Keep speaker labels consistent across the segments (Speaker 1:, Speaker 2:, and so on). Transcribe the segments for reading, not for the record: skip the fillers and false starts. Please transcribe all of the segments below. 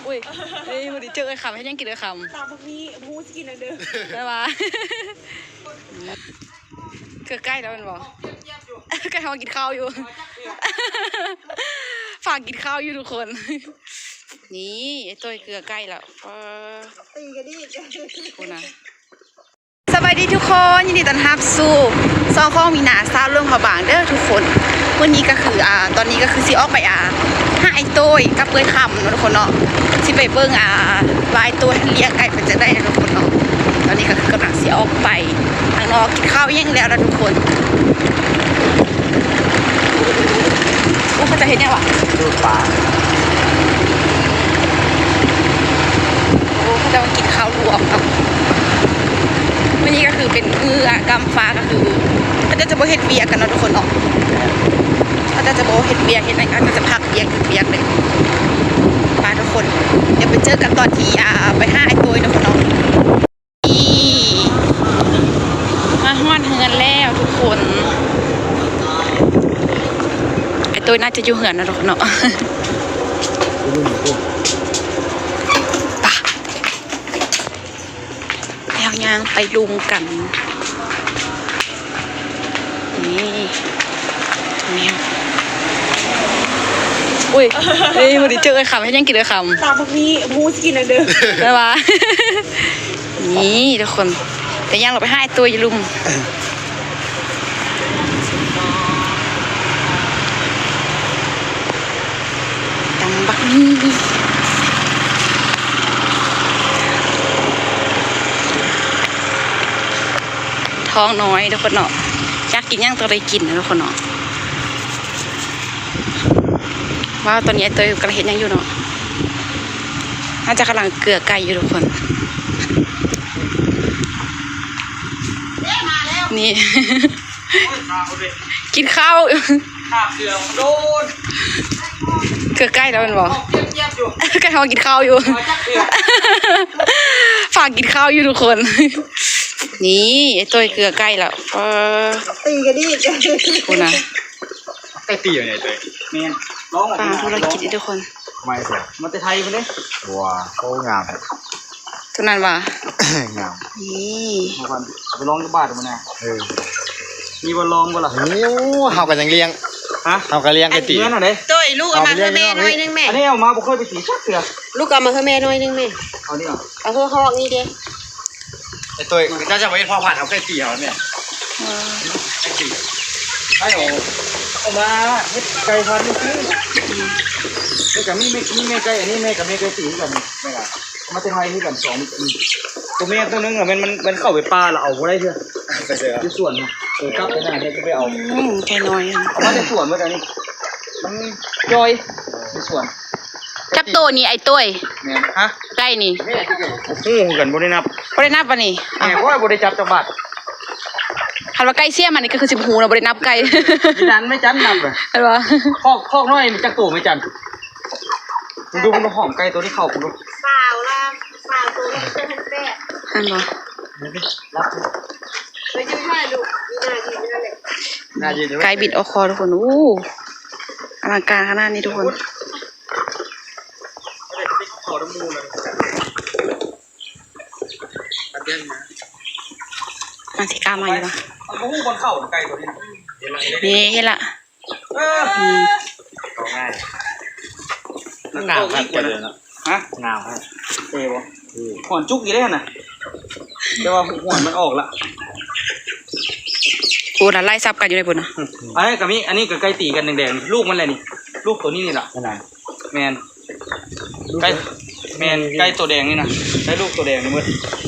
Speaker 1: อุ้ยเฮ้ยวันนี้เจอไอ้คำให้ยังกินไอ้คำ
Speaker 2: ตามพวกนี้พูดกินอะไรเด้อ
Speaker 1: ได้ปะคือใกล้แล้วมันบอกใกล้ทำกินข้าวอยู่ฝากกินข้าวอยู่ทุกคนนี่ไอ้ตัวเกลือใกล้แล้ว
Speaker 2: ตีกันดิ
Speaker 1: คุณนะสวัสดีทุกคนยินดีต้อนรับสู่ซองข้องมีหนาซาเรื่องผาบางเด้อทุกคนวันนี้ก็คือตอนนี้ก็คือสิออกไปห้าไอ้ตัวกับเปื่อยคำเนาะทุกคนเนาะสิไปเบิ้งวายตัวเลี้ยงไก่เป็นจะได้นะทุกคนเนาะตอนนี้ก็คือกำลังสิออกไปทางนอกกินข้าวยังแล้วนะทุกคนเขาจะเห็นยังวะ
Speaker 3: ดูปลา
Speaker 1: เขาจะมากินข้าวรวมครับวันนี้ก็คือเป็นกำฟ้าก็คือเขาจะโบเฮ็ดเบียกันเนาะทุกคนเนาะเขาจะโบเฮ็ดเบียเฮ็ดอะไรก็จะพักเบียหยุดเบียเลยมาทุกคนเดี๋ยวไปเจอกันตอนที่ไปห้าไอ้ตัวนะทุกคนเนาะมาฮอดเฮือนแล้วทุกคนไอ้ตัวน่าจะอยู่เฮือนนะทุกคนเนาะแล้วย่างไปลุมกันนี่แมวอุ้ยเฮ้ยวันนี้เจอไอ้คำให้ยังกินไอ้คำ
Speaker 2: ตามพวกนี้พูดกินอะไรเด้อ
Speaker 1: ได้ปะนี่ทุกคนแต่ย่างเราไปให้ตัวอย่าลุมตังบักนี่ท้องน้อยทุกคนเนาะอยากกินย่างตัวใดกินนะทุกคนเนาะว่าตอนนี้ไอ้ตัวกำลังเห็นยังอยู่เนาะน่าจะกำลังเกลือไก่อยู่ทุกคนนี่ กินข้าว
Speaker 3: เสือโดน
Speaker 1: เกลือไก่แล้วมันบอกใกล้ทำกินข้าวอยู่ฝากกินข้าวอยู่ทุกคนนี่ไอ้ตัวเกลือไก่แล้ว
Speaker 2: ตีกันดิ
Speaker 1: คุณนะ
Speaker 3: ไก่ตีอยู่ไหนตัวเมียนร้อง
Speaker 1: ปลาธุรกิจทุกคน
Speaker 3: ไม่เสือมันจะไทยไปเลยว้าโคงาม
Speaker 1: ทุกนั้นว่ะ
Speaker 3: งาม
Speaker 1: นี่
Speaker 3: มันไปร้องที่บ้านมันนะมีบอลลองบ่ล่ะ
Speaker 4: นิ้วเฮากันยังเลี้ยง
Speaker 3: ฮะ
Speaker 4: เฮากันเลี้ยงไก่ตี
Speaker 3: นั่นน่ะเด้
Speaker 2: ตัวลูกเอามาเพื่อแม่น้อยนึงแม่
Speaker 3: อันนี้เอามาบ่เคยไปตีชักเสือ
Speaker 2: ลูกเอามาเพื่อแม่น้อยนึงแม่
Speaker 3: เอานี่เหรอ
Speaker 2: เอาเพื่อเขานี่เด้
Speaker 4: ไอ้ตัวเจ้าจะไม่พ่อผ่านเอาไก่ตีเอาเนี่ยไก่ตี
Speaker 3: ให้เอามาเฮ็ดไก่พันธุ์นี่นี่กับมีแม่ไก่อันนี้แม่กับแม่ไก่ตีกันแม่ล่ะมาจะไทยที่กัน2ตัวแม่ตัวนึงอ่ะมันเข้าไปป่าแล้วเอาบ่ได้เถอะ
Speaker 4: ไปเสือ
Speaker 3: ที่สวนน่ะกลับไปหน้าเนี่ยจะไปเอา
Speaker 1: ไก่น้อย
Speaker 3: เอามาจากสวนเมื่อกี้นี่มันย่อยในสวน
Speaker 1: จับตัวนี่ไอ้ตัว
Speaker 3: เนี่ยฮะ
Speaker 1: ไก่นี่
Speaker 3: โอ้โหกันบ่ได้นับ
Speaker 1: ปะนี่
Speaker 3: แหมว่าบ่ได้จับจังหวัด
Speaker 1: คันว่าไก่เสี่ยมันนี่ก็คือ10 หูนะบ่ได้นับไก่
Speaker 3: จันไม่จันนับเลย
Speaker 1: เห็นปะ
Speaker 3: คอกน้อยมันจักตัวไม่จันมึงดูมันหอมไก่ตัวที่เข้ากูดู
Speaker 2: สาวตัวนี้เป็นแป้
Speaker 1: หันบ่
Speaker 3: รับ
Speaker 2: ไปยืนให้ลูก
Speaker 3: น่ายืน
Speaker 1: ไก่บิดออกคอทุกคนอลังการขนาดนี้ทุกคนมันสิกล้ามาอยู่ปะ
Speaker 3: มันหูบนเข่าไก่ตัวนี้
Speaker 1: นี่เห็นละ
Speaker 4: ง่ายงามครับเจริญแล้ว
Speaker 3: ฮะ
Speaker 4: งามครับ
Speaker 3: บ่หอนจุกอยู่ได้น่ะแต่ว่าหอนมันออกละ
Speaker 1: โอ้น่ะไล่ซับกันอยู่ในปุ่นนะ
Speaker 3: อันนี้กับอันนี้กับไก่ตีกันแดงๆลูกมันอะไรนี่ลูกตัวนี้นี่แหละแมนไก่ตัวแดงนี่นะไก่ลูกตัวแดงนี่มืด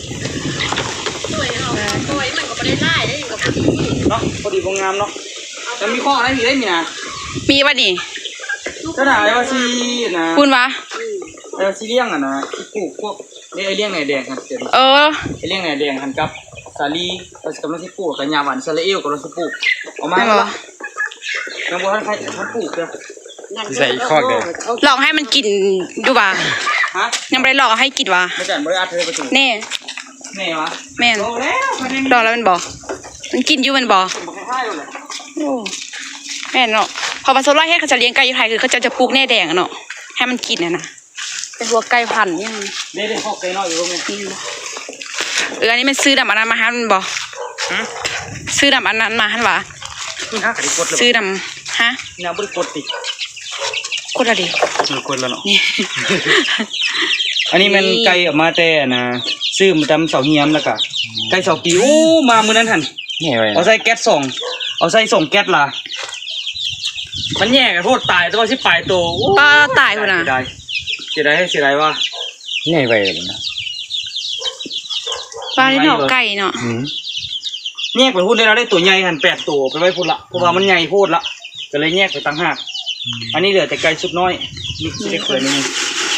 Speaker 2: ตัวมันก็ไม่ได้ไล่ได้กับพอดี
Speaker 3: เนาะพอดีงามเนาะจะมีข้ออะไรมีได้มีนะ
Speaker 1: มีป่ะนี่
Speaker 3: ก็ได้ว่าซีนะ
Speaker 1: คุณวะ
Speaker 3: ซีเลี้ยงอ่ะนะปลูกพวกนี่ไอเลี้ยงไหนแดงครับไอเลี้ยงไหนแดงหันกับสาลีเรากำลังที่ปลูกกับยาหวานซาเลเอลกำลังที่ปลูกออกมาแล้วยังบอกท่านปลูกเลย
Speaker 4: ใส่ข้อเดียว
Speaker 1: ลองให้มันกินดูป่ะยังไม่ได้ลองให้กินวะ
Speaker 3: ไม่จัดบริอาเธอไปถูก
Speaker 1: แน่
Speaker 3: วะ
Speaker 1: แม่นลองแล้วมันบอกมันกินอยู่มันบอกแม่นเนาะพอผสมไล่ให้เขาจะเลี้ยงไก่อยู่ไทยคือเขาจะปลูกแน่แดงเนาะให้มันกินนะเป็นหัวไก่พันธุ์ยัง
Speaker 3: เด้ข้อไก่น้อยอยู่แม่
Speaker 1: นี่บ่อันนี้มันซื้อดำอันนั้นมาหันบ่ซื้อดำอันนั้นมาหันวะ
Speaker 3: นี่ฮะกระดิกดเลย
Speaker 1: ซื้อดำฮะ
Speaker 3: น้ำบริกดติ
Speaker 1: กดอะไรดิ
Speaker 3: กดแล้วเนาะ
Speaker 1: นี่
Speaker 3: อันนี้มันไก่ออกมาแต่นะซื้อมาตำเสาเฮียมแล้วก็ไก่เสาปีโอ้มามื้อนั้นหั่น
Speaker 4: นี่ไว้
Speaker 3: เอาใส่แก๊สส่งเอาใส่ส่งแก๊สล่ะมันแย่กันโพดตายตัวสิปลายตัว
Speaker 1: ป้าตายพุ่นน่ะ
Speaker 3: เสียดายให้เสียดายว่า
Speaker 4: นี่ไว้นะ
Speaker 1: ป้าที่เนาะไก่เนาะ
Speaker 3: แยกไปพูดได้เราได้ตัวใหญ่หั่น8ตัวไปไว้พูดละเพราะว่ามันใหญ่โพดละก็เลยแยกไปต่างหากอันนี้เหลือแต่ไก่ชุดน้อยนี่สิได้เกิดนี่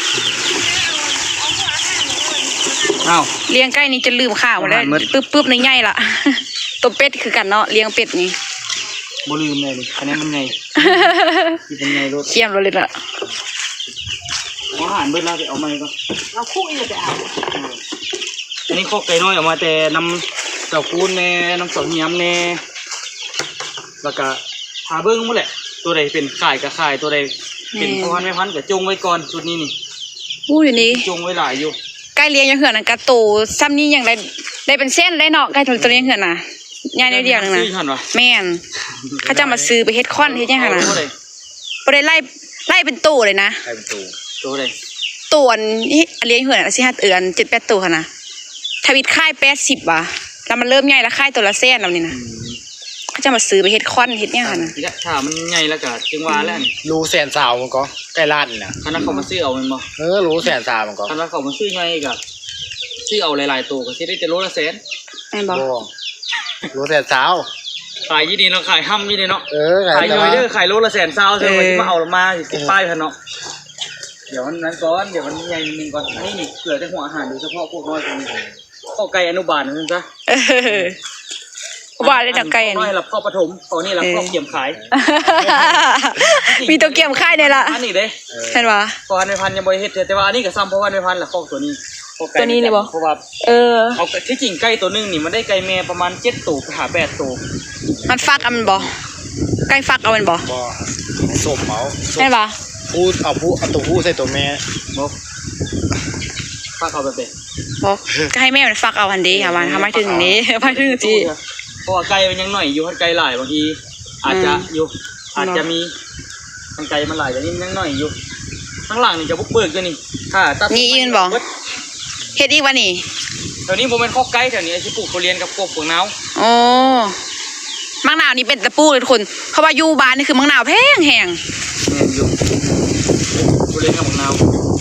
Speaker 3: อ้าว
Speaker 1: เลี้ยงไก่นี่จะลืมข้าวหมดแล้ว
Speaker 3: อาหารหมด
Speaker 1: ปึ๊บในใหญ่ละ ตัวเป็ดคือกันเนาะเลี้ยงเป็ดนี่
Speaker 3: บ่ลืมเลยดิอันนี้มันใหญ่ที่เป็นใหญ่รถ
Speaker 1: เขี้ยมเราเลยละ
Speaker 3: อาหารเบิดแล้วไปเอามาก่อน
Speaker 2: เราคู่อีกไปเอา
Speaker 3: อันนี้ข้อไก่น้อยออกมาแต่น้ำเจ้าคูนแน่น้ำเสาเฮียมแน่แล้วก็หาเบิ้งหมดแหละตัวใดเป็นข่ายกับข่ายตัวใดเป็นพ่อพันธุ์แม่พันธุ์ก็จงไว้ก่อนชุดนี้นี่
Speaker 1: อู้อยู่นี่
Speaker 3: จงไว้หลายอยู่
Speaker 1: ไก่เลี้ยงยังเหือนนั่นกะโตซ้ำนี่ยังได้เป็นเส้นได้เนาะไก่ตัวเลี้ยงเหือนน่ะใหญ่เดียวๆนึงนะ
Speaker 3: ซื้อทันวะ
Speaker 1: แม่นเขาจะมาซื้อไปเฮ็ดค้อนเฮ็ดหยังหั่นน่ะ
Speaker 3: ตัวใด
Speaker 1: บ่ได้ไล่เป็นตู้เลยนะ
Speaker 4: ใครเป็นตู
Speaker 3: ตัวใด
Speaker 1: ตัวนี่เลี้ยงเหือนสิ5เดือน7-8ตัวหั่นน่ะทวิตค่าย80ว่ะแล้วมันเริ่มใหญ่แล้วค่ายตัวละแสนแล้วนี่นะเขาจะมาซื้อไปเฮ็ดค้อนเฮ็ดหยังหั่นน่ะ
Speaker 3: ทีละถ้ามันใหญ่แล้วก็จึงว่าแล้วนี่
Speaker 4: รู้แสนสาวมันก็ใกล้ล้านนะ
Speaker 3: คันนั้นเขามาซื้อเอามันบ่
Speaker 4: รู้แสนสาวมันก็
Speaker 3: คันนั้นเขามาซื้อใหญ่ก็ซื้อเอาหลายๆตัวก็สิได้แต่โลละแสน
Speaker 1: แม่นบ่
Speaker 4: รู้แสนสาว
Speaker 3: ขายยี่ดีเนาะขายห้ำยี่ดีเนาะ
Speaker 4: ขา
Speaker 3: ขาย ยย่อยเด้อขายโลละแสนซาวเซลล์ที่มาเอามาสิติดป้ายพันเนาะเดี๋ยวนั้นก่อนเดี๋ยวมันใหญ่นึงก่อนอันนี้นี่เกลือแต่หัวอาหารโดยเฉพาะพวกน้อยตัวนี้ข้อไก่อนุบาลนั่นซะ
Speaker 1: เออว่าได้ดอกไก่อัน
Speaker 3: น้อ
Speaker 1: นี้
Speaker 3: ยรับข้อปฐมข้อนี้รับข้อเกี่ยมขาย
Speaker 1: มีตัวเกี่ยมค่ายในละ
Speaker 3: อันนี้เด้
Speaker 1: เห็นปะ
Speaker 3: ข้อพันธุ์ยังบ่เฮ็ดแต่ว่าอันนี้ก็ซ้ำเพราะว่าในพันธุ์ละข้อตัวนี้เพราะว่า
Speaker 1: เออ
Speaker 3: เอาที่จริงไก่ตัวนึงนี่มันได้ไก่แม่ประมาณ7ตัวหา8ตัว
Speaker 1: มันฟักเอามันบ่ไก่ฟักเอามันบ่
Speaker 4: บ่สมเอา
Speaker 1: เห็นปะ
Speaker 4: พูดเอาตัวผู้ใส่ตัวแม่
Speaker 3: บ่ฝากเอาแบบนี้
Speaker 1: บ่ก็ให้แม่มันฟักเอาอันดีค่ะวันทำไมถึงนี้ ทำไมถึงจี
Speaker 3: เพราะว่าไก่มันยังหน่อยอยู่ไก่หลายบางทีอาจจะอยู่อาจจะมีมันไก่มันหลายแต่นี่มันยังหน่อยอยู่ข้างหลังนี่จะบุกเบิกด้วยนี่ค่ะตัด
Speaker 1: นี่ยืนบ่เฮ็ดอีกวะนี่
Speaker 3: แถวนี้ผมเป็นข้อไก่แถวนี้ไอ้ที่ปลูกทุเรียนกับกบพวกน้าว
Speaker 1: โอ้มังนาวนี่เป็นตะปูเลยทุกคนเพราะว่าอยู่บ้านนี่คือมังนาวแพงแหง
Speaker 3: เนี่ยอยู่ทุเรียนกับพวกน้าว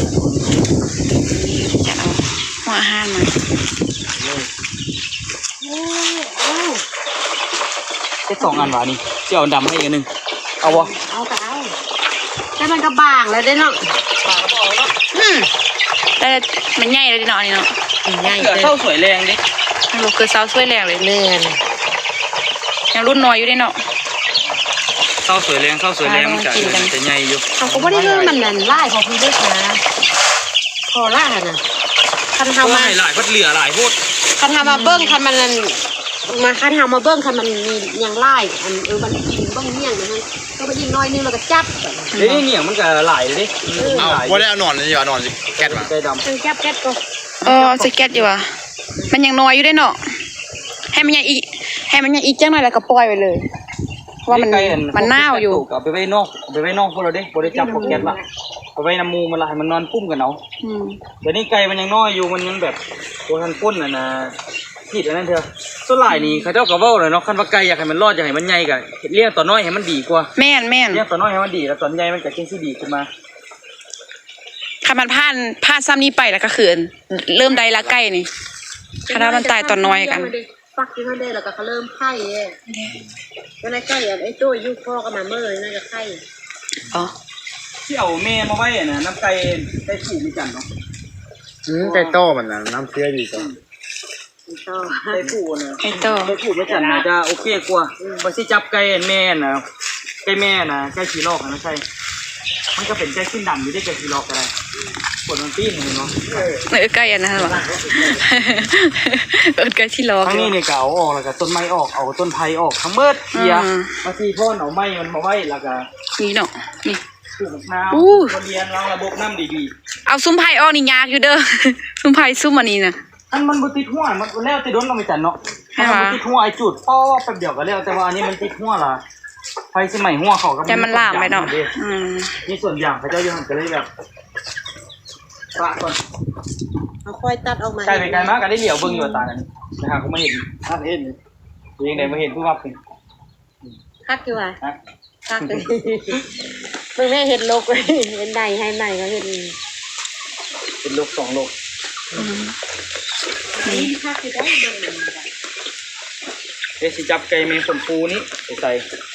Speaker 1: จะเอาหัวอาหารมา
Speaker 3: ได้2 อันหวานี่เจ้าดำให้อีกอันหนึ่งเอาวะ
Speaker 2: เอาไปเอาแต่มันก็บางแล้วได้เนาะ
Speaker 3: ปากกระบอกแล้ว
Speaker 1: แต่มันใหญ่เลยเนาะนี่เนาะ
Speaker 2: ง่าย
Speaker 3: เกิด
Speaker 2: เลย
Speaker 3: เท่าสวยแรงดิ
Speaker 1: ลูกคือเสาช่วยแรงเลย
Speaker 2: เลื่อน
Speaker 1: ยังรุ่นน้อยอยู่เด้เนาะ
Speaker 3: เท่าสวยแรงมันจะใหญ่อยู่
Speaker 2: เขาก็ไม่ได้เลื่อนมันนั่นไล่พอพี่ได้นะพอล่าน่ะคัน
Speaker 3: เพ
Speaker 2: ทำ
Speaker 3: ราะว่า
Speaker 2: มา
Speaker 3: ให้หลายพัดเหลือหลายโพด
Speaker 2: คันทำมาเบิ้งคันมันนั่นมาคันทำมาเบิ้งคันมันมียังไล่อันมันเบิ้งเมี่ยงนะฮะก็ไปยิงน้อยนึงแล้วก็จับ
Speaker 3: เฮ้ยเนี่ยมันก็หลายเลยดิ
Speaker 4: เอาบ่ได้เอาหนอนเลยเอาหนอนสิแก๊สมา
Speaker 3: ไก่ดำ
Speaker 2: เป็นแก๊บแก๊บก็
Speaker 1: สเก็ตอยู่ว่ะมันยังน้อยอยู่เด้เนาะให้มันยังอีกจังหน่อยแล้วก็ปล่อยไปเลยเพราะว่ามันน่าวอยู่
Speaker 3: เอาไปไว้นอกพวกเราดิบ่ได้จับพวกแก๊สละไปไว้น้ำมูมันละให้มันนอนปุ้มกันเอา
Speaker 1: อืม
Speaker 3: เดี๋ยวนี้ไก่มันยังน้อยอยู่มันยังแบบตัวทันก้นน่ะนะผิดอันนั้นเถอะส่วนหลายนี่เขาเจ้าก็เว้าเลยเนาะคันว่าไก่อยากให้มันรอดอยากให้มันใหญ่ก็เลี้ยงตัวน้อยให้มันดีกว่า
Speaker 1: แม่น
Speaker 3: เลี้ยงตัวน้อยให้มันดีแล้วตัวใหญ่มันก็จังสิดีขึ้นมา
Speaker 1: คันมันผ่านซ้ำนี้ไปแล้วก็คือเริ่มได้ละใกล้นี่คันถ้ามันตายตอนน้อยกัน
Speaker 2: ฟักที่เขาได้แล้วก็เขาเริ่มไข่เอ้ก็ในไข่ไอ้ตัวยุคพ่อก็มาเมื่อเลยน่าจะไข่
Speaker 1: อ๋อ
Speaker 3: ที่เอาแม่มาไว้น่ะน้ำไก่ได้ผูกมีจันเนาะ
Speaker 4: ไก่โต้มันนะน้ำเชื่อดีจัง
Speaker 2: ต่อ
Speaker 3: ได้ผูกน่ะ
Speaker 1: ไอ้โต
Speaker 3: ได้ผูกมีจันน่ะจะโอเคกว่าบ่สิจับไก่แม่น่ะไก่แม่น่ะไก่ขี้ลอกนะใช่มันก็เป็นไก่ขึ้นดำอยู่ได้ไก่ขี้ลอกอะไรปวดมันปีนเห็นเนาะ
Speaker 1: ใกล้อันนั้นหรอใกล้ที่รอ
Speaker 3: ทั้งนี้เนี่ยก็เอาออกแล้วก็ต้นไม้ออกเอาต้นไผ่ออกทั้งเบิดเกียร์บางทีพ่นเอาไม้มันมาไว้แล้วก็
Speaker 1: นี่เนาะนี่
Speaker 3: ปลูกมะนาว
Speaker 1: อู้
Speaker 3: มาเรียนวางระบบน้ำดี
Speaker 1: เอาซุ้มไผ่ออกนี่ยากอยู่เด้อ ซุ้มไผ่ซุ้มอันนี้น่ะ
Speaker 3: ๆอันมันบ่ติดหัวมันแล้วแต่โดนก็ไม่จันเนาะ
Speaker 1: ให้
Speaker 3: มัน
Speaker 1: วะ
Speaker 3: บ่ติดหัวไอ้จุดป้อแป๊บเดียวก็แล้วแต่ว่าอันนี้มันติดหัวล่ะไฟสมัยหัวเขาก็
Speaker 1: ใจมันลามไปเนาะอืม
Speaker 3: มีส่วนอย่างพระเจ้าอยู่หันก็เลยแบบปะก่อน
Speaker 2: เอาค่อยตัดออกมา
Speaker 3: ใกล้ไปไกลมากก็ได้เหลียวเบิ่งอยู่ว่าตานั้นนะฮะเขาไม่เห็นท่านเห็นเองได้มาเห็นผู้ว่าเป็น
Speaker 2: คักอยู่ว่ะ
Speaker 3: นะ
Speaker 2: คักเลยเพิ่งแม่เห็นโลกเลยเห็นใดให้ใหม่ก็เห็น
Speaker 3: เป็นโลก2โลก
Speaker 2: นี่คักอยู่ได้เบิ่งเลย
Speaker 3: เดี๋ยวสิจับไก่เมงคนปูนี้ไปใส่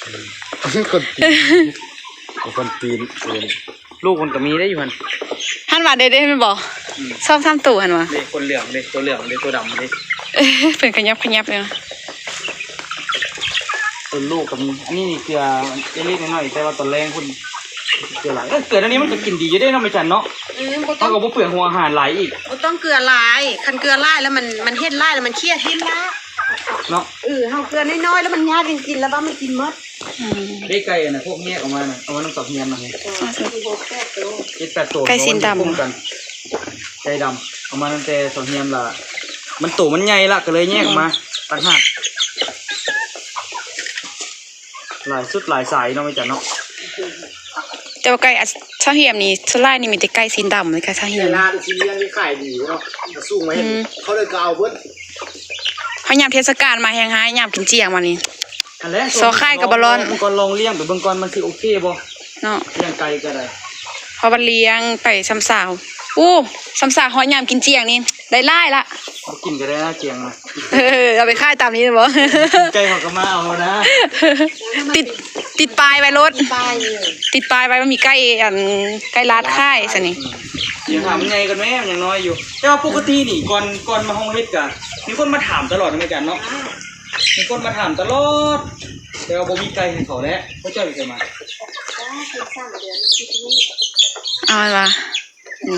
Speaker 4: คนปีนเลย
Speaker 3: ลูกคนก็มีได้อยู่หัน
Speaker 1: หันว่าได้แม่นบ่ชอบทำตู่หันว่า
Speaker 3: เด็กคนเหลืองเด็กตัวเหลืองเด็กตัวดำเด็ก
Speaker 1: เป็นขยับเลยนะ
Speaker 3: ตัวลูกก็มีอันนี้นี่เกลือเล็กๆน้อยๆแต่ว่าตอนแรงคุณเกลือหลายเกลืออันนี้มันก็กินดีอยู่ได้เนาะไม่จันเนาะ
Speaker 2: บ่ต้
Speaker 3: เท่า
Speaker 2: อง
Speaker 3: กับว่าเปลือกหัวอาหารหลายอีก
Speaker 2: บ่ต้องเกลือลายคันเกลือลายแล้วมันเฮ็ดลายแล้วมันเครียดเฮ็ดละ
Speaker 3: เนาะ
Speaker 2: เฮาเกลือน้อยๆแล้วมันยากจริงๆแล้วว่ามันกินหมด
Speaker 3: ได้ไก่น่ะพวกแยกออกมาน่ะเอามาน้ำตอกเฮียนมาให้ 7-8ตัว
Speaker 1: ไก่สินดำ
Speaker 3: คุ้มกันไก่ดำเอามาตั้งแต่ตอกเฮียนละมันโตมันใหญ่ละก็เลยแยกออกมาต่างหากหลายสุดหลายสายเนาะไม่จันเนาะ
Speaker 1: แต่ว่าไก่ชาเหียมนี่ส่วนหลายนี่มีแต่ไก่สีดำเลยค่ะชาเหียม
Speaker 4: เวลาที่เลี้ยงที่ขายดีเนาะสู้ไหมเขาเลยก็เอาเบิ้ล
Speaker 1: พยายามเทศกาลมาแฮงหายยามกินเจียงมานี่
Speaker 3: อันแรก
Speaker 1: ซอไข่กับบะรอน
Speaker 3: มังกรลองเลี้ยงไปเบิ่งก่อนมันสิโอเคบ่
Speaker 1: เนาะ
Speaker 3: เลี้ยงไก่ก็ได้
Speaker 1: พอบันเลี้ยงไปซ้ำสาวอู้ซ้ำสาวหอยยามกินเจียงนี่ได้ไล่ละ
Speaker 3: บ่กินก็ได้นะเจียงนะ
Speaker 1: เอาไปค่ายตามนี้เลยบ่
Speaker 3: ไก่เขาก็มาเอานะ
Speaker 1: ติดปลายไว้รถ
Speaker 2: ปลายเลย
Speaker 1: ติดปลายไว้ว่ามีไก่ไก่ลาดค่ายซะนี่
Speaker 3: เดี๋ยวถามมันไงกันแม่มันยังน้อยอยู่ แต่ว่าปกตินี่ก่อนมาห้องเฮ็ดกันมีคนมาถามตลอดเหมือนกันเนาะมีคนมาถามตลอดแต่ว่าบ่มีไก่ให้เขาแล้วเขาเจ้าสิมา
Speaker 1: เอาไว้ว่านี่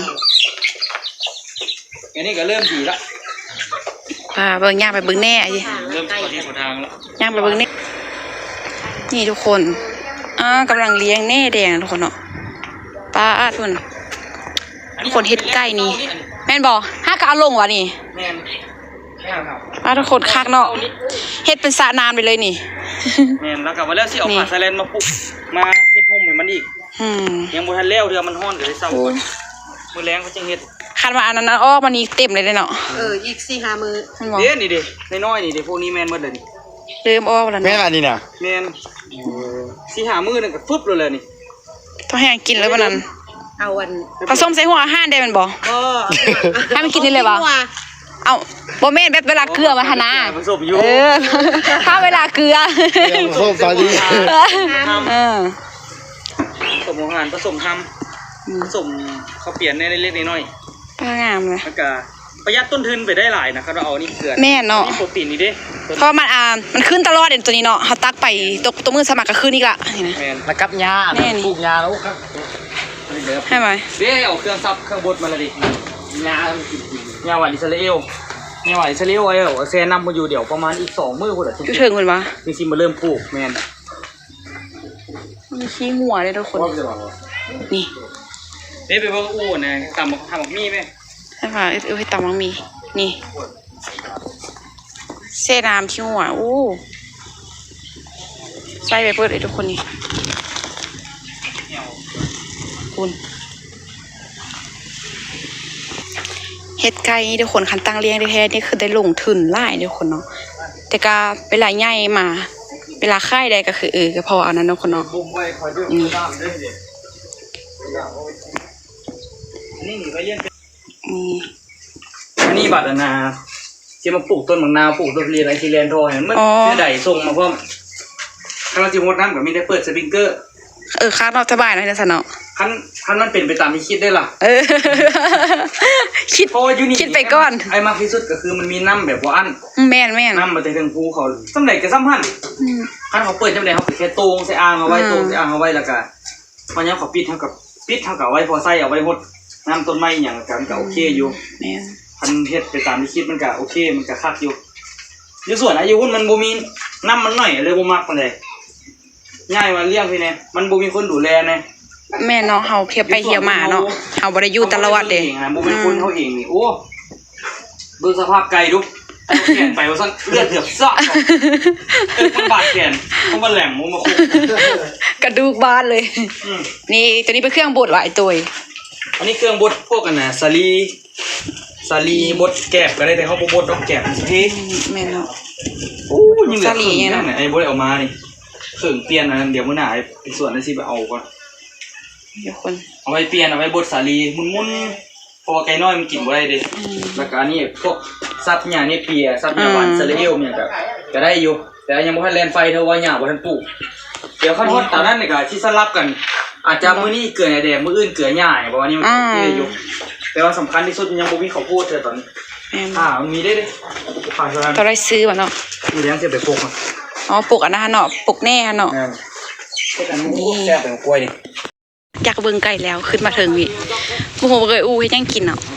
Speaker 3: อันนี้ก็เริ่มดีละ
Speaker 1: ป้าเบิ่งย่างไปเบิ่งแน่ไอ้
Speaker 3: เริ่มเข้าที่เข้าทางแล้ว
Speaker 1: ย่างไปเบิ่งแน่นี่ทุกคนกำลังเลี้ยงแน่แดงทุกคนเนาะป้าทุกคนคนเฮ็ดไก่นี่แม่นบ่ห้าก็เอาลงวะนี่
Speaker 3: แม่นแม่นครับ
Speaker 1: ป้าทุกคนคักเนาะเฮ็ดเป็นสระน้ำไปเลยนี่
Speaker 3: แม่นแล้วก็ว่าแล้วสิเอา
Speaker 1: นี่
Speaker 3: ผ้าไซเลนมาปุกมาเฮ็ดห่มให้มันอีก ยังบ่ทันแล้วเรือมันฮ้อนก็เลยเศร้าก่อนมื้อแรงก็จังเฮ็ด
Speaker 1: คันว่าอันนั้นออกมานี่เต็มเลยเนาะ
Speaker 2: อีก4-5มื้อ
Speaker 1: แม่นบ่
Speaker 3: เด้นี่เด้น้อยๆนี่เด้พวกนี้แม่นหมดเลยนี่
Speaker 1: เริ่มออกแล้ว
Speaker 4: แม่
Speaker 1: เนาะ
Speaker 4: อันนี้น่ะ
Speaker 3: แม่นสิหามื้อนึงก็ฟึบเลยแหละนี่
Speaker 1: ต้องให้กินเลยวันนั้น
Speaker 2: เอาอัน
Speaker 1: ผสมใส่หัวอาหารได้แม่นบ่ ให้มันกินได้เลยวะ เอาบ่แม่นแบบเวลาเกลือมาหนนะ
Speaker 3: ผสมอยู่
Speaker 1: ถ้าเวลาเกลือ
Speaker 4: โซ่ตาดี
Speaker 1: เออ
Speaker 3: ผสมอาหารผสมทำผสมข้าวเปียกในเล็กๆน้อย
Speaker 1: ป้างามเลย
Speaker 3: ๆแล้วก็ประหยัดต้นทุนไปได้หลายนะครับเราเอานี่เกลือ
Speaker 1: แม่นเนาะ
Speaker 3: นี่โปรตีนนี่เด้
Speaker 1: เพราะมันขึ้นตลอดเด่นตัวนี้เนาะเขาตักไปตัวมือสมัครก็ขึ้นอีกละนี่นะ
Speaker 3: แม่น
Speaker 4: แล้วกับยา
Speaker 1: แน่นี่
Speaker 4: ปลูกยาแล้วครับ
Speaker 3: นี่เด้อ
Speaker 1: ให้ไหม
Speaker 3: เด้เอาเครื่องซับเครื่องบดมาและดิ
Speaker 4: ยามันกิน
Speaker 3: ยาหวานอิสราเอลยาหวานอิสราเอลเอาแซนนำมาอยู่เดี๋ยวประมาณอีก2มื้อพุ่นน่ะ
Speaker 1: อยู่ถึงคนวะ
Speaker 3: จริงๆมาเริ่มปลูกแม่น
Speaker 1: มีขี้หัวเลยทุกคน
Speaker 4: ว่าจะบอกว่า
Speaker 1: นี่
Speaker 3: เด้ไปเบิ่งอู้นะตำบักทำบักมี่ไหม
Speaker 1: ให้ป่ะให้ตำมังมีนี่เส้นน้ำขี้หัวอู้ใส่ไปเปิดเลยทุกคนนี่คุณเฮ็ดไก่นี่ทุกคนคันตั้งเลี้ยงแท้ๆนี่คือได้ลงทุนหลายทุกคนเนาะแต่ก็เวลาใหญ่มา เวลาค่ายใดก็คือก็พอเอานั้นทุกคนเนาะ
Speaker 3: บุ้มไว้คอยด้วยน้ำด้วยเด็นี่หนีไปเลี้ยง
Speaker 1: นี่
Speaker 3: อันนี้บัตรนาที่มาปลูกต้นมะนาวปลูกต้นทุเรียนไอซีเรียนทอเห็นมันเสื้อใดส่งมาเพิ่มถ้าเราจะมดน้ำกับมีได้เปิดสปริงเกอร์
Speaker 1: ค่าเนาะสบายเนาะจังซั่นเนาะ
Speaker 3: คันมันเป็นไปตามที่คิดได้ล่ะ
Speaker 1: คิด
Speaker 3: เพราะว่ายูนิ
Speaker 1: คิดไปก่อน
Speaker 3: ไอ้มากที่สุดก็คือมันมีน้ำแบบว่าอัน
Speaker 1: แม่น
Speaker 3: น้ำมาแต่ถึงภูเขาสำเร็จกับซ้ำพันคันเขาเปิดจำได้เขาแค่โตงใส่อ่างเอาไว้โตงใส่อ่างเอาไว้แล้วก็วันนี้เขาปิดเท่ากับไว้พอใส่เอาไว้หดน้ำต้นไม้อย่างกันก็โอเคอยู่
Speaker 1: แม่น
Speaker 3: คันเฮ็ดไปตามที่คิดมันก็โอเคมันก็คักอยู่อยู่ส่วนอายุมันบ่มีน้ำมันหน่อยเลยบ่มักปานใดง่ายว่าเลี้ยงพี่แน่มันบ่มีคนดูแลแน่
Speaker 1: แม่เนาะเฮาเที่ยวไปเที่ยวมาเนาะเฮาบ่ได้อยู่ตลอดเด้
Speaker 3: บ่เป็นคนเขาเองนี่โอ้เบิ่งสภาพไก่ดูแขนไปว่าซั่นเลือดเถือบซอกมันบาดแขนมันบ่แหลมมันมาคุก
Speaker 1: กระดูกบานเลยนี่ตัวนี้เป็นเครื่องบดว่ะไอ้ตัว
Speaker 3: อันนี้เครื่องบดพวกกันนะสาลีบดแกบก็ได้แต่เขาบ่บดดอกแกบเท่
Speaker 1: แม่เนาะ
Speaker 3: โอ้ยังเหลือ
Speaker 1: สาลียังไง
Speaker 3: นั่นน่ะไอ้บดเอามานี่เครื่องเปลี่ยนอันนั้นเดี๋ยวมื้อหน้าไอ้ส่วนนั้นสิไปเอาก่อน
Speaker 1: เดี๋ยวคน
Speaker 3: เอาไปเปลี่ยนเอาไปบดสาลีมุนๆเพราะว่าไก่น้อยมันกินบ่ได้เด้แล้วก็อันนี้พวกสัตว์หญ้าเนี่ยเปียสัตว์หญ้าหวานสะเลวเนี่ยก็ได้อยู่แต่ยังบ่ทันแล่นไฟเท่าว่าหญ้าบ่ทันปลูกเดี๋ยวคันฮอดตอนนั้นนี่ก็สิสลับกัน อาจจะมื้อนี้เกลือแดงมื้ออื่นเกลือหญ้าเพราะว่านี่มันเท่อยู่แต่ว่าสำคัญที่สุดยังบ่มีข้าวโพดเธอตอนนี้
Speaker 1: แม่น
Speaker 3: มันมีได้เด้ผ่านเท่านั้น
Speaker 1: ตัวได้ซื้อว่ะเนาะ
Speaker 3: มีเลี้ยงสิไปปลูกมัน
Speaker 1: อ๋อปลูกอันนั้นเนาะปลูกแน่เนาะ
Speaker 3: เฮ็ดอันนี้แซ่บเป็นกล้วยนี่
Speaker 1: อยากเบิ่งไก่แล้วขึ้นมาถึงนี่บ่ฮู้ว่าเคยอู้เฮ็ดหยังกินเนาะ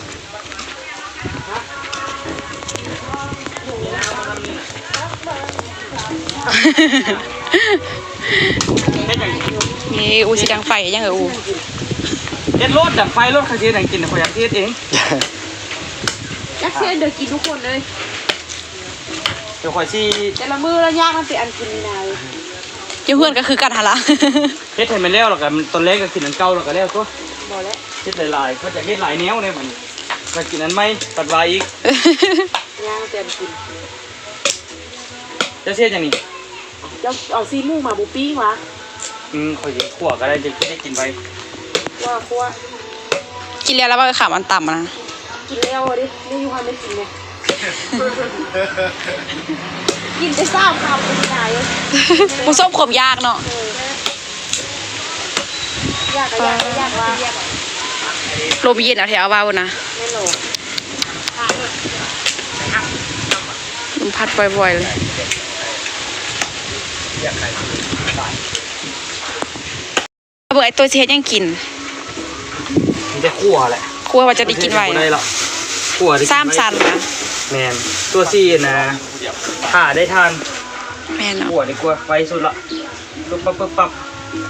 Speaker 3: เฮ็ดหยัง
Speaker 1: นี่อู้สิดังไฟยังอู้
Speaker 3: เฮ็ดรถดับไฟรถคันที่ดังกินข่อยอยากเฮ็ดเอง
Speaker 2: ยักษ์เชื่อเดี๋ยวกินทุกคนเลย
Speaker 3: เดี๋ยวข่อยสิ
Speaker 2: แต่ละมือแล้วยากมันเป็นอันกินนาย
Speaker 1: เจ้าเพื่อนก็คือกันหั่นล่ะ
Speaker 3: เฮ็ดให้มันแล้วแล้วก็ตอนแรกก็กินอันเก่าแล้วก็แล้วตัว
Speaker 2: บอกแล้ว
Speaker 3: เฮ็ดหลายๆเขาจะเฮ็ดหลายแนวเนี่ยมันก็กินอันใหม่ตัดไว้อีก
Speaker 2: ยากมันเป็นอันกิน
Speaker 3: จะเฮ็ดจังนี้
Speaker 2: เจ้าเอาซีมูมาบูปิ้งวะ
Speaker 3: ข่อยสิคั่วก็ได้จะได้กินไว้
Speaker 2: ว่าคั่ว
Speaker 1: กินแล้วว่าขามันต่ำนะ
Speaker 2: กินแล้วดิไม่อยู่ความไม่กินไงกินไปซ่าคำเป็นนาย
Speaker 1: ผู้ส้มขมยากเนาะ
Speaker 2: ยากก็ยากก็ยากว่า
Speaker 1: ลมเย็นเอาแถวเอาเว้านะ
Speaker 2: แม่โหล
Speaker 1: ลมพัดบ่อยๆเลยเบื่อไอ้ตัวสิเฮ็ดหยังกิน
Speaker 3: มันจะคั่วแหละ
Speaker 1: กลัวว่าจะได้กินไว้
Speaker 3: บ่ได้
Speaker 1: นะ
Speaker 3: หรอกคั่วได้กิน
Speaker 1: สามสันนะ
Speaker 3: แม่นตัวซี่นะถ้าได้ทาน
Speaker 1: แม่เนาะ
Speaker 3: คั่วดีกว่าไฟสุดละปึ๊บปั๊บ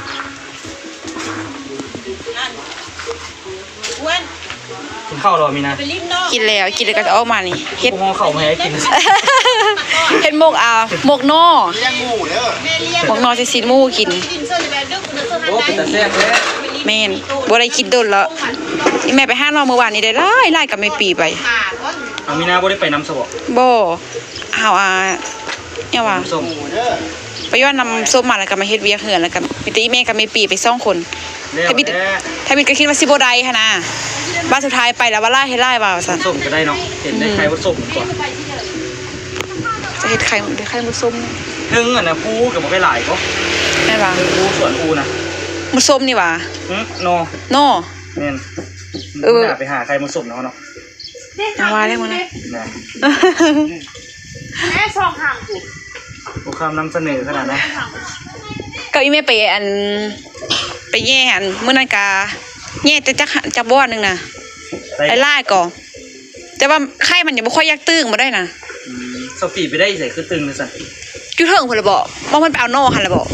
Speaker 3: กินข้าวรอมีนะ
Speaker 1: กินแล้วก็จะออกมานี่เฮ็ด
Speaker 3: ห่อข้าวมาให้กิน
Speaker 1: เฮ็ดหมกหมกนอหมกนอจะสิหมูกิน
Speaker 3: โอ้เป็นตาแซ่บเลย
Speaker 1: แม่นบ่ได้คิดโดนแล้วอีแม่ไปหานอเมื่อวานนี้ได้หลายกับแม่ปีไป
Speaker 3: เอามีนาบ่ได้ไปน้ำสบ
Speaker 1: บ่เอาเนี่ยว่า
Speaker 3: ส้ม
Speaker 1: ไปย้อนนำส้มมาแล้วก็มาเฮ็ดเวียกเหือนแล้วก็มีแต่อีแม่กับแม่ปีไป2คน
Speaker 3: แล้ว
Speaker 1: ถ้าบิดก็คิดว่าสิบ่ได้หั่นน่ะบ้านสุดท้ายไปแล้วว่าล่าเฮ็ดไร่ว่าซั่น
Speaker 3: ส้มก็ได้เนาะเห็นได้ใครว่าส้มก่อน
Speaker 1: จะเฮ็ดไข่มุส้ม
Speaker 3: นึ่งอ่ะนะปูกับบ่ไปหลายก็
Speaker 1: แม่นว่า
Speaker 3: ปูส่วนปูนะ
Speaker 1: มุส้มนี่ว่า
Speaker 3: โน
Speaker 1: นอ
Speaker 3: แม่น
Speaker 1: เออ
Speaker 3: ไปหาใครมาส้มเนาะเนาะ
Speaker 1: เอาว่าได้หมดนะ
Speaker 3: นะ
Speaker 2: แม่ชอบห่างกู
Speaker 3: ผู้คำนำเสนอขนาดนั้น
Speaker 1: ก็อีแม่ไปไปแย่มื้อนั้นก็แย่แต่จักบ่อนนึงน่ะไอ้ล่ายก่อแต่ว่าไข่มันยังบ่ค่อยอยากตึงบ่ได้น่ะ
Speaker 3: สปีไปได้ใส่คือตึงเลยสั่น
Speaker 1: อยู่เถิงพุ่นละบ่บ่มันไปเอานอหั่นละบ่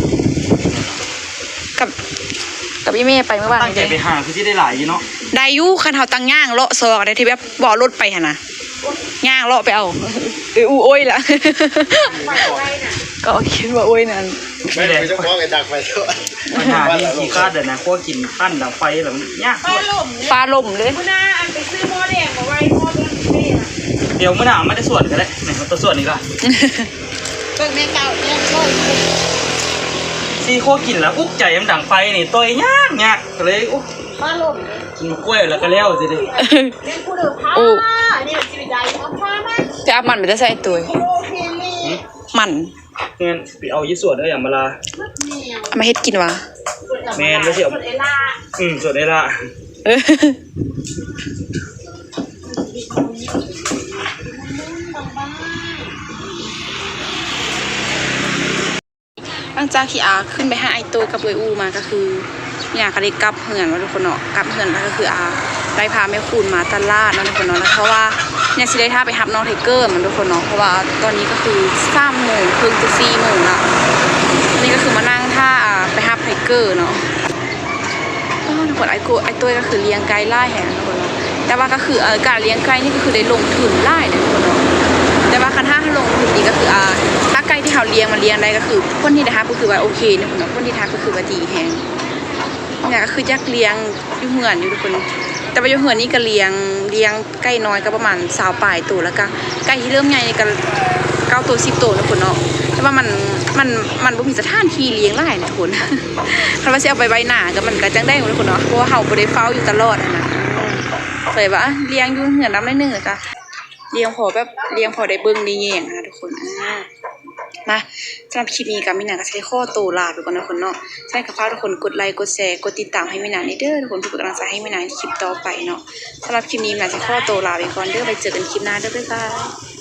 Speaker 1: กับอีแม่ไปเมื่อวาน
Speaker 3: ตั้งใจไปหาคือที่ได้หลายอยู่เนาะ
Speaker 1: ได้อยู่คันเฮาตั้งย่างเลาะซอกได้ที่แบบบ่รถไปหั่นน่ะย่างเลาะไปเอาอู้โอ้ยล่ะก็คิดว่าโอ้ยนั่น
Speaker 3: ไม่ได้
Speaker 4: ไม่ต้องมองไอ้ดักไปด้วย
Speaker 3: ปัญหาที่ขี้คาดเด้อนะพวกกินปั้นดังไฟแบบนี้ยาก
Speaker 1: ฟ้าล่มเลย
Speaker 2: คุณน้าอันไปซื้อหม้อแดงมาไว้หม้อแดงนี่นะ
Speaker 3: เดี๋ยวมื้อหน้าไม่ได้ส่วนก็ได้ไหนมันตัวส่วนนี้ล่ะ
Speaker 2: เบิ่งแม่เก่าเนี่ยโอ้ย
Speaker 3: ซีโคกินแล้วอุ๊กใจมันดังไฟนี่ตัวยากก็เลยอุ๊
Speaker 2: มาหล่ม
Speaker 3: กินกล้วยแล้วก็แล้วสิดิ
Speaker 2: เล่นผู้เดือดผ้านี่มันชีวิตใจของผ้ามัน
Speaker 1: จะเอามันไปจะใส่ตัว
Speaker 2: โลเคลี
Speaker 1: มัน
Speaker 3: งั้นไปเอายี่ส่วนได้อย่างมาลา
Speaker 1: เอามาเฮ็ดกินวะ
Speaker 3: แมนไม่ใช่เอา
Speaker 2: เอล่า
Speaker 3: ส่วนได้ละ
Speaker 1: เออหลังจากที่ขึ้นไปหาไอตัวกับเวยอูมาก็คือเนี่ยก็ได้กลับเหือนว่าทุกคนเนาะกลับเหือนแล้วก็คือได้พาแม่คูณมาตลาดเนาะทุกคนเนาะแล้วเพราะว่าเนี่ยสิได้ท่าไปรับน้องไทเกอร์มันทุกคนเนาะเพราะว่าตอนนี้ก็คือ3 โมงครึ่งจะ4 โมงละนี่ก็คือมานั่งท่าไปรับไทเกอร์เนาะทุกคนไอ้ตัวก็คือเลี้ยงไก่ไล่แหงทุกคนเนาะแต่ว่าก็คือการเลี้ยงไก่นี่ก็คือได้ลงทุนไล่ทุกคนเนาะแต่ว่าคันถ้าลงทุนดีก็คือถ้าไก่ที่เขาเลี้ยงมาเลี้ยงได้ก็คือคนที่นะคะก็คือว่าโอเคทุกคนเนาะคนที่ทาก็คือว่าดีแหงเนี่ยก็คือยักเลี้ยงอยู่เหมือนอยู่ทุกคนแต่ว่าอยู่เหมือนนี่ก็เลี้ยงไก่น้อยก็ประมาณ20ปลายตัวแล้วก็ไก่ที่เริ่มใหญ่ก็9ตัว10ตัวทุกคนเนาะแต่ว่ามันบ่มีสถานที่เลี้ยงหลายนะทุกคน คันว่าสิเอาไปไว้หน้าก็มันก็จังได้ทุกคนเนาะเพราะว่าเฮาบ่ได้เฝ้าอยู่ตลอดนะเลยว่าเลี้ยงอยู่เหือนน้ำได้นึงก็เลี้ยงพอแบบเลี้ยงพอได้เบิ่งได้แยงนะทุกคนมาสำหรับคลิปนี้ก็มีหนังก็ใช้ข้อโตลาทุกคนนะทุกคนเนาะใช่ค่ะฝากทุกคนกดไลค์กดแชร์กดติดตามให้มีหนังเด้อทุกคนทุกกำลังใจให้มีหนังในคลิปต่อไปเนาะสำหรับคลิปนี้มีหนังใช้ข้อโตลาไปก่อนเด้อไปเจอกันคลิปหน้าเด้อบ๊ายบาย